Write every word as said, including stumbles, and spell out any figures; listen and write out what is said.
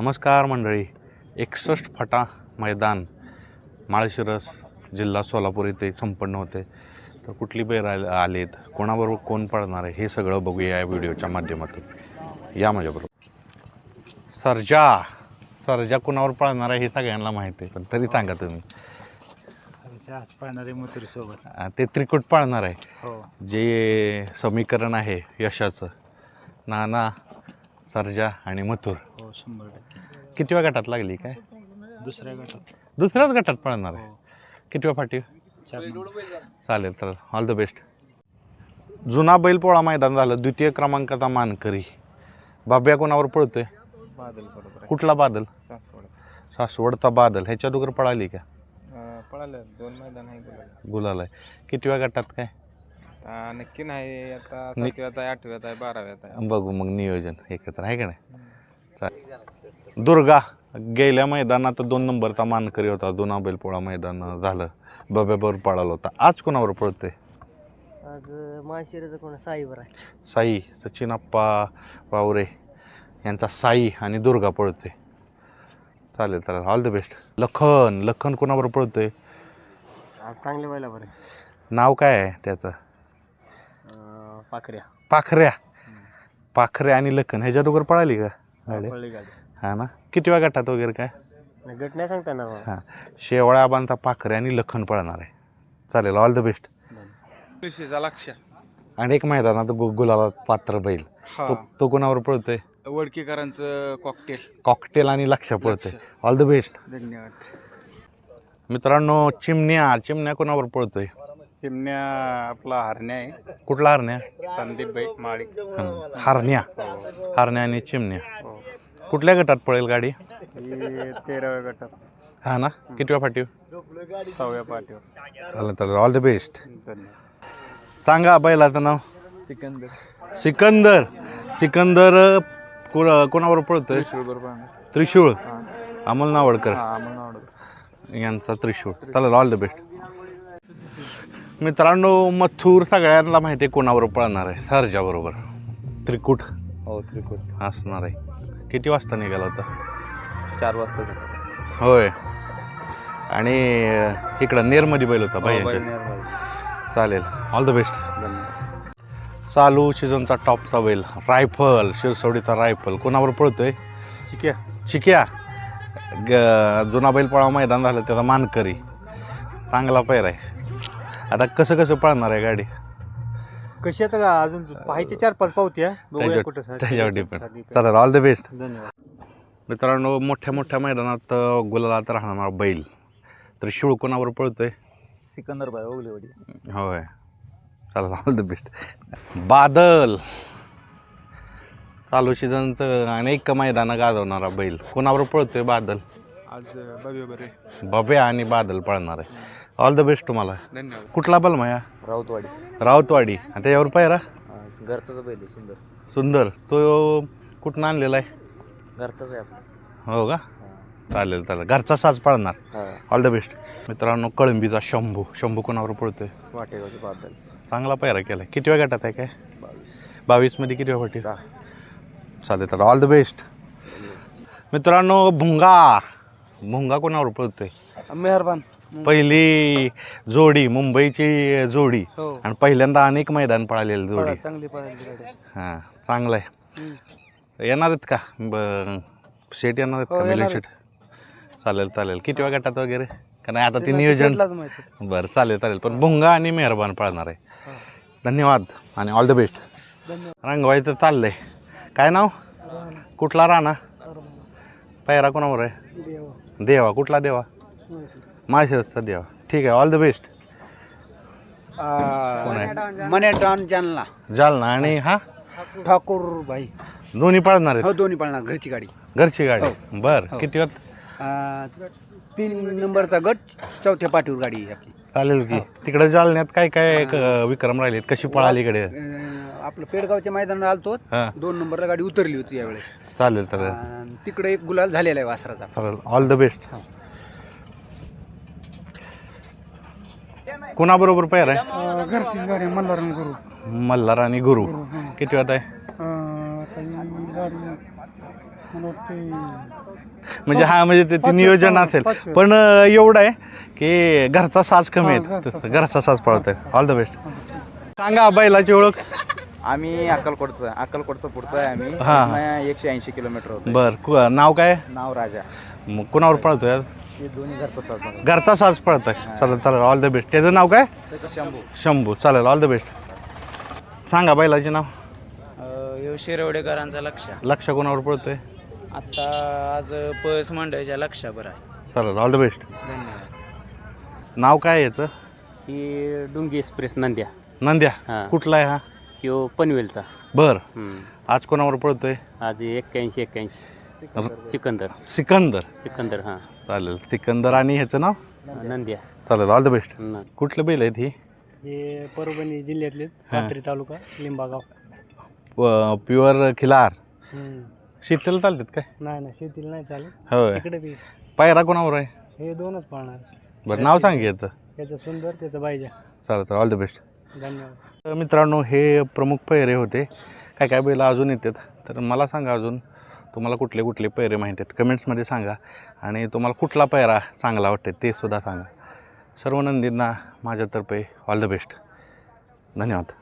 नमस्कार मंडळी. एकसष्ट फटा मैदान माळशिरस जिल्हा सोलापूर येथे संपन्न होते. तर कुठली बैल आलेत, कोणाबरोबर कोण पळणार आहे हे सगळं बघूया या व्हिडिओच्या माध्यमातून. या माझ्याबरोबर. सर्जा सर्जा कोणावर पळणार आहे हे सगळ्यांना माहिती आहे, पण तरी सांगा तुम्ही. पळणारे मथुर सोबत ते त्रिकूट पळणार आहे. हो, जे समीकरण आहे यशाचं, नाना, सर्जा आणि मथुर. हो शंभर टक्के. कितव्या गटात लागली काय? दुसऱ्या गटात. दुसऱ्याच गटात पळणार आहे. हो, कितव्या फाटी? चार नंबर. चालेल चालेल, ऑल द बेस्ट. जुना बैलपोळा मैदान झालं. द्वितीय क्रमांकाचा मानकरी बाब्या कोणावर पळतोय? बादल बरोबर आहे. कुठला बादल? सासवड. सासवडचा बादल. ह्याच्या दोघर पळाली का? पळालं दोन मैदान आहे गुलाल. गुलाल आहे. कितव्या गटात काय? नक्की नाही, आता नि- सातव्यात आहे, आठव्यात आहे, बाराव्यात आहे. बघू मग नियोजन एकत्र आहे का नाही. चालेल. दुर्गा गेल्या मैदानात दोन नंबरचा मानकरी होता. जुना बैलपोळा मैदान झालं, बब्याबरोबर पळाला होता. आज कोणावर पळतोय? आज माळशिरसचा कोण साईवर आहे. साई सचिनप्पा वावरे यांचा साई आणि दुर्गा पळतोय. चालेल चालेल, all the best. Lakhan Lakhan कोणावर पळतोय? आज चांगले व्हायला बरं. नाव काय आहे त्याचं? पाखऱ्या. पाखऱ्या. पाखऱ्या आणि लखन ह्याच्या दोघर पळाली का गाडी? पळली गाडी. हा ना. कितव्या गटात वगैरे काय? गट नाही सांगता ना. हां, शेवळ्या बांधता पाखऱ्या आणि लखन पळणार आहे. चालेल, ऑल द बेस्ट. लक्ष आणि एक मैदानात गु गुलाला पात्र बैल, तो तो कोणावर पळतोय? वडकीकरांचं कॉकटेल. कॉकटेल आणि लक्ष पळतोय. All the best. धन्यवाद. मित्रांनो, चिमण्या चिमण्या कोणावर पळतोय? चिमण्या आपला हरण्या आहे. कुठला हरण्या? संदीप भाई माळी. हं, हरण्या. हरण्या आणि चिमण्या. हो, कुठल्या गटात पळेल गाडी? ही तेराव्या गटात. हा ना. कितव्या फाटीव? सहाव्या पाठीवर. चालेल चालेल, ऑल द बेस्ट. धन्यवाद. सांगा बैलाचं नाव. सिकंदर. सिकंदर. सिकंदर को कोणावर पळतोय? त्रिशूळ. अमोल नावडकर यांचा त्रिशूळ. चालेल, ऑल द बेस्ट. मित्रांनो, मथुर सगळ्यांना माहिती आहे कोणावर पळणार आहे. सर्जा बरोबर. त्रिकूट हो, त्रिकूट असणार आहे. किती वाजता निघाला होता? चार वाजता. होय. आणि इकडं नेरमध्ये बैल होता भाई. चालेल, ऑल द बेस्ट. चालू सीझनचा टॉपचा बैल रायफल, शिरसवडीचा रायफल कोणावर पळतोय? चिक्या. चिक्या. ग जुना बैलपोळा मैदान झालं त्याचा मानकरी. चांगला पैर आहे. आता कसं कसं पळणार आहे गाडी? कशी आता का अजून पाहायचे चार पाच पावती आहे. त्याच्यावर त्याच्यावर डिपेंड. चालेल, ऑल द बेस्ट. धन्यवाद. मित्रांनो, मोठ्या मोठ्या मैदानात गुलालात राहणार बैल त्रिशूळ कोणावर पळतोय? सिकंदर बाय ओगलेवाडी. होय. चालेल, ऑल द बेस्ट. बादल चालू सीझनचं अनेक मैदानं गाजवणारा बैल कोणावर पळतोय? बादल. आज बघूया बरे. बब्या आणि बादल पळणार आहे. ऑल द बेस्ट तुम्हाला. धन्यवाद. कुठला बल माया? राऊतवाडी. राऊतवाडी. आणि त्याच्यावर पायरा घरचाच बैल सुंदर. सुंदर. तो कुठून आणलेला आहे? घरचाच आहे आपला. हो का. चालेल चालेल, घरचा साज पळणार. All the best. मित्रांनो, कळंबीचा शंभू. शंभू कोणावर पळतोय? वाटेगावचे बादल. चांगला पायरा केलाय. कितव्या गटात आहे काय? बावीस. बावीस मध्ये कितव्या फाटी? चालेल तर ऑल द बेस्ट. मित्रांनो, भुंगा. भुंगा कोणावर पळतोय? मेहरबान. पहिली जोडी, मुंबईची जोडी, हो, आणि पहिल्यांदा अनेक मैदान पळालेली जोडी. चांगली पळाली गाडी. हां, चांगलं आहे. येणार आहेत का ब शेट येणार आहेत हो, का? मिलिंद येणार शेट. चालेल चालेल. कितव्या गटात वगैरे का नाही आता ते नियोजन? बरं, चालेल चालेल. पण भुंगा आणि मेहरबान पळणार आहे. धन्यवाद आणि ऑल द बेस्ट. रंगवायचं चाललंय. काय नाव? कुठला राणा? पैरा कोणावर आहे? देवा. कुठला देवा? माळशिरसचा देवा. ठीक आहे, ऑल द बेस्ट. कोण आहे? मने डॉन जालना. जालना. आणि हा ठाकूर भाई. दोन्ही पळणार आहेत? हो, दोन्ही पळणार. घरची गाडी. घरची गाडी. बर. किती वाजता? तीन नंबरचा गट, चौथ्या पाठीवर गाडी आहे आपली. चालेल की. तिकडे जालन्यात काय काय क- विक्रम राहिलेत? कशी पळाली इकडे? आपलं पेडगावच्या मैदानात आलतो. हां, दोन नंबरला गाडी उतरली होती यावेळेस. चालेल चालेल आणि तिकडे एक गुलाल झालेला आहे वासराचा. चालेल, ऑल द बेस्ट. कोणाबरोबर पैर आहे? घरचीच गाडी. मल्हार गुरु. मल्हार आणि गुरु. किती वाजता आहे? म्हणजे हा म्हणजे ते- ते नियोजन असेल पण अं, एवढं आहे की घरचा साज कमी आहे तसं घरचा साज पळतोय. All the best. सांगा बैलाची ओळख. आम्ही अक्कलकोटचं अक्कलकोटचं पुढचं आहे आम्ही हा. इथनं एकशे ऐंशी किलोमीटर होतं. बर कु- नाव काय नाव राजा. मग कुणावर पळतोय आज? हे दोन्ही घरचं साधन. घरचा साज पळतोय. चालेल चालेल ऑल द बेस्ट. त्याचं नाव काय? त्याचं शंभू. शंभू. चालेल ऑल द बेस्ट. सांगा बैलाचे नाव. यो शिरवडेकरांचा लक्ष लक्ष कोणावर पळतोय? आता आज पळस मंडळच्या लक्षावर आहे. चालेल ऑल द बेस्ट. धन्यवाद. नाव काय आहे याचं? ही डुंगी एक्सप्रेस नंद्या. नंद्या. हा. कुठला आहे हा? ह्यो पनवेलचा. बर. आज कोणावर पळतोय? आज एक्क्याऐंशी एक्क्याऐंशी सिकंदर. सिकंदर. सिकंदर हां. चालेल सिकंदर. आणि ह्याचं नाव? नंद्या. चालेल ऑल द बेस्ट. कुठलं बैल आहेत ही? हे परभणी जिल्ह्यातले हा. पाथरी तालुका लिंबागाव. प्युअर खिलार. शीतल चालतात काय? नाही नाही शेतीला नाही चालेल. होय. इकडे बी पायरा कोणावर आहे? हे दोनच पाळणार. बरं नाव सांग याचं. त्याचं सुंदर त्याचं बायजा. चालेल तर ऑल द बेस्ट. धन्यवाद. तर मित्रांनो हे प्रमुख पैरे होते. काय काय बैल अजून येतात तर मला सांगा अजून तुम्हाला कुठले कुठले पैरे माहिती आहेत कमेंट्समध्ये सांगा. आणि तुम्हाला कुठला पैरा चांगला वाटते ते सुद्धा सांगा. सर्व नंदींना माझ्यातर्फे ऑल द बेस्ट. धन्यवाद.